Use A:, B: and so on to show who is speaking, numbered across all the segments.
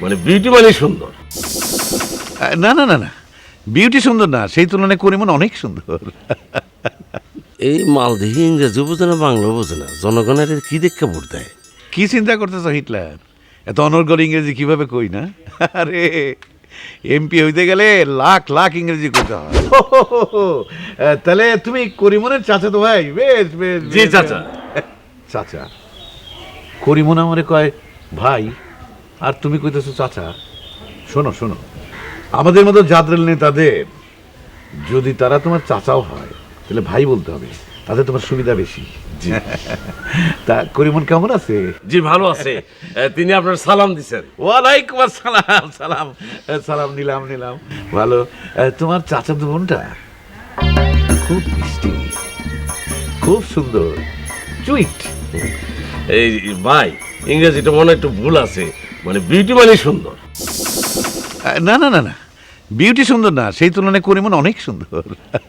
A: মানে বিউটি মানে সুন্দর।
B: না না না না, বিউটি সুন্দর না, সেই তুলনায় করিমন অনেক সুন্দর।
A: এই মালদেহি ইংরেজি বোঝে না, বাংলা বোঝে না, জনগণের কি দেখে ভোট দেয়?
B: কি চিন্তা করতেছ হিটলার? এত অনর্গল ইংরেজি কিভাবে কই না? আরে এমপি হইতে গেলে লাখ লাখ ইংরেজি করতে হয়। তাহলে তুমি করিমনের চাচা তো ভাই? বেশ বেশ।
A: জি চাচা।
B: চাচা, করিমন আমারে কয় ভাই, আর তুমি কইতেছো চাচা। শোনো শোনো, আমাদের মতো জাদরেল নেতাদের যদি তারা তোমার চাচাও হয় তাহলে ভাই বলতে হবে, তাতে তোমার সুবিধা বেশি। তা করিমন কেমন আছে?
A: জি ভালো আছে। তিনি আপনার সালাম দিছেন।
B: ওয়ালাইকুম আসসালাম। সালাম সালাম নিলাম নিলাম। ভালো। তোমার চাচা তো বোনটা খুব মিষ্টি, খুব সুন্দর, সুইট।
A: এই ভাই, ইংরেজিটা মনে হয় একটু ভুল আছে, মানে বিউটি মানে সুন্দর।
B: না না না না, বিউটি সুন্দর না, সেই তুলনায় করিমন অনেক সুন্দর।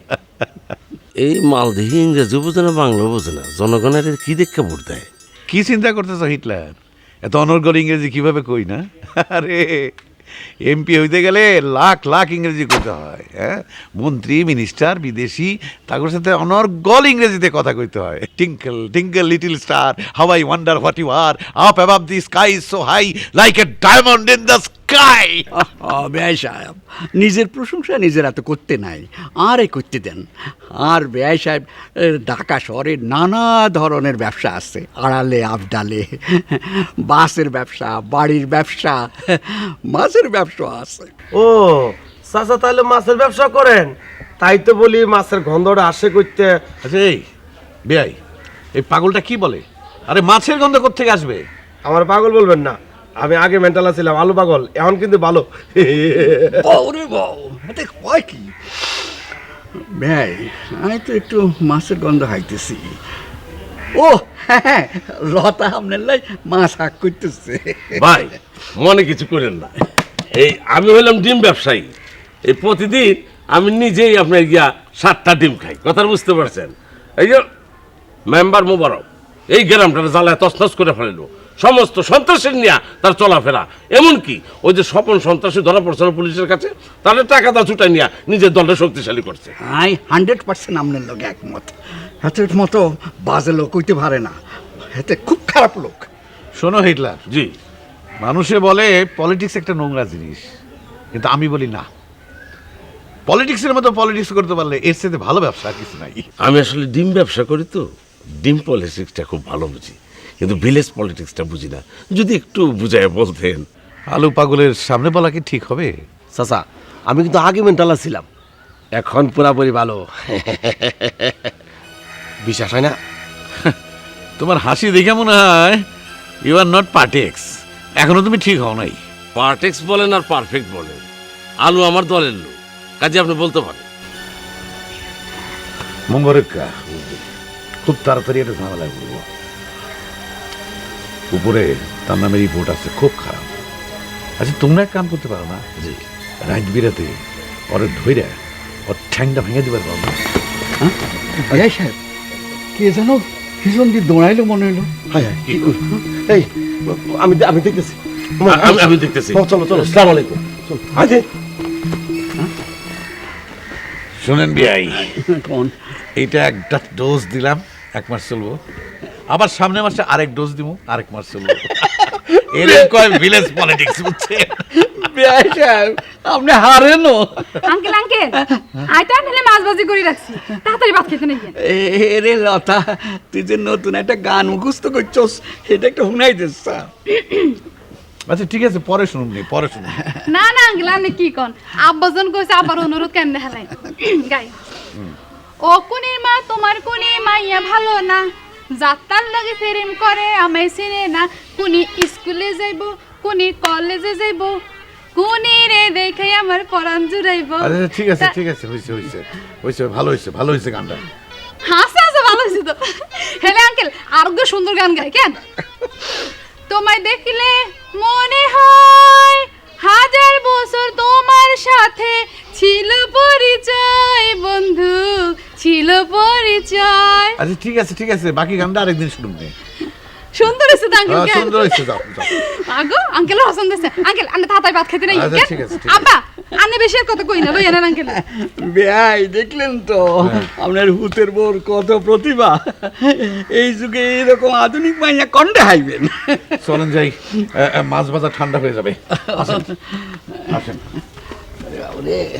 A: এই মালদেহি ইংরেজি বোঝে না, বাংলা বোঝে না, জনগণের কি দেখে ভোট দেয়?
B: কি চিন্তা করতেছ হিটলার? এত অনর্গল ইংরেজি কিভাবে কই না? আরে এমপি হইতে গেলে লাখ লাখ ইংরেজি করতে হয়। হ্যাঁ, মন্ত্রী মিনিস্টার বিদেশি, তাদের সাথে অনর্গল ইংরেজিতে কথা কইতে হয়। Twinkle twinkle little star, how I wonder what you are, up above the sky is so high, like a diamond in the sky.
C: ব্যয় সাহেব, নিজের প্রশংসা নিজের এত করতে নাই, আরে করতে দেন। আর ব্যয় সাহেব, ঢাকা শহরে নানা ধরনের ব্যবসা আছে, আড়ালে আবডালে, বাসের ব্যবসা, বাড়ির ব্যবসা, মাছের ব্যবসা আছে।
D: ও চাচা, তাহলে মাছের ব্যবসা করেন? তাই তো বলি মাছের গন্ধটা আসে করতে।
B: আচ্ছা এই বেয়াই, এই পাগলটা কি বলে? আরে মাছের গন্ধ কোত্থেকে আসবে?
D: আমার পাগল বলবেন না, আমি আগে মেন্টাল ছিলাম আলু পাগল, এখন কিন্তু ভালো।
C: ওরে বাউ, এতে কয় কি? ব্যয়, আমি তো একটু মাছের গন্ধ হাইতেছি। ও হ্যাঁ, লতা আপনার লাই মাছ হাক করতেছে।
A: ভাই মনে কিছু করেন না, এই আমি হইলাম ডিম ব্যবসায়ী। এই প্রতিদিন আমি নিজেই আপনার গিয়া 7টা ডিম খাই, কথা বুঝতে পারছেন? এই যে মেম্বার মোবারক এই গ্রামটা জ্বালায় তছনছ করে ফেললো, সমস্ত সন্ত্রাসীর নিয়ে তার চলাফেরা। এমনকি ওই যে স্বপন সন্ত্রাসী ধরা পড়ছে না পুলিশের কাছে, তাদের টাকা দা ছুটাই নিয়ে নিজের দলটা শক্তিশালী করছে।
C: আই 100% আপনার লোক একমত। হাতের মতো বাজে লোক হইতে পারে না, এতে খুব খারাপ লোক।
B: শোনো হিটলার,
A: জি
B: মানুষে বলে পলিটিক্স একটা নোংরা জিনিস, কিন্তু আমি বলি না, পলিটিক্সের মতো পলিটিক্স করতে পারলে এর সাথে ভালো ব্যবসা আর কিছু নাই।
A: আমি আসলে ডিম ব্যবসা করি তো, ডিম পলিটিক্সটা খুব ভালো বুঝি, কিন্তু ভিলেজ পলিটিক্সটা বুঝি না। যদি একটু বুঝায় বলতেন।
B: আলু পাগলের সামনে বলা কি ঠিক হবে?
D: চাচা, আমি কিন্তু আগে মেন্টাল ছিলাম, এখন পুরাপুরি ভালো। বিশ্বাস হয় না?
B: তোমার হাসি দেখে মনে হয় ইউ আর নট পার্টেক্স, এখনো তুমি ঠিক হও নাই।
A: পারফেক্ট বলেন আর পারফেক্ট বলেন, আলু আমার দলের লোক, কাজে আপনি বলতে পারেন।
B: মঙ্গরেক্কা, খুব তাড়াতাড়ি একটা ঝামেলায় পড়বো। উপরে তার নামে রিপোর্ট আছে, খুব খারাপ। আচ্ছা তোমরা এক কাম করতে পারো না?
A: জি
B: রাত বিরাতে ওরে ধইরা ওর ঠ্যাংটা ভেঙে দিবার পারো না?
C: ব্যয় সাহেব, কে যেন ভীষণ দিয়ে দৌড়াইলো মনে হইলো।
D: হ্যাঁ, এই আমি আমি দেখতেছি।
A: আমি দেখতেছি।
D: চলো চলো,
A: আসসালামু আলাইকুম।
D: আরে
B: শোনেন বিআই,
C: কোন
B: এইটা একটা ডোজ দিলাম, 1 মাস চলবো, আবার সামনে মাসে আরেক ডোজ দিব, আরেক মাস চলবো। এরকম কয় ভিলেজ পলিটিক্স, বুঝছে?
C: ব্যয় সাহেব, আপনি হারেনও।
E: আঙ্কেল আঙ্কেল, আইটা নিলে মাছ ভাজি করে রাখছি, তাড়াতাড়ি ভাত খেতে নেই।
C: রে লতা, তুই যে নতুন একটা গান মুখস্থ করছস, এটা একটা শুনাই দিস।
B: আচ্ছা ঠিক আছে, পরে শুনুন নি, পরে শুনুন।
E: না না আঙ্কেল, আপনি কি কন? আব্বাজন কইছে আবার অনুরোধ কেমনে হেলাই গাই। ও কুনির মা, তোমার কুনি মাইয়া ভালো না, যাত্রার লাগে প্রেম করে আমায় চিনে না। কুনি স্কুলে যাইব, কুনি কলেজে যাইব, কুনি রে দেখে আমার পরাণ জুড়াইব।
B: আচ্ছা ঠিক আছে ঠিক আছে, হয়েছে হয়েছে হয়েছে, ভালো হয়েছে ভালো হয়েছে গানটা।
E: হাসা হাসা ভালো হয়েছে তো। হেলে আঙ্কেল আরো সুন্দর গান গায় কেন? তোমায় দেখলে মনে হয় 1000 বছর তোমার সাথে ছিল পরিচয়, বন্ধু ছিল পরিচয়।
B: আচ্ছা ঠিক আছে ঠিক আছে, বাকি গানটা আরেকদিন শুনুন নি।
E: সুন্দর হয়েছে তো আঙ্কেল
B: হ্যাঁ, সুন্দর হয়েছে, যাও যাও।
E: আগো আঙ্কেল পছন্দ হয়েছে আঙ্কেল আন্নে তাড়াতাড়ি ভাত খেতে নাই
B: আচ্ছা, ঠিক আছে, ঠিক আছে।
E: আব্বা আন্নে বেশি আর কথা কই না লই আনেন আঙ্কেল
C: বেয়াই দেখলেন তো আপনার হুতের বোর কত প্রতিভা। এই যুগে এইরকম আধুনিক মাইয়া কন্ডে হাইবেন।
B: চলেন যাই, মাছ ভাজা ঠান্ডা হয়ে যাবে। আসেন আসেন।
C: বাবরে।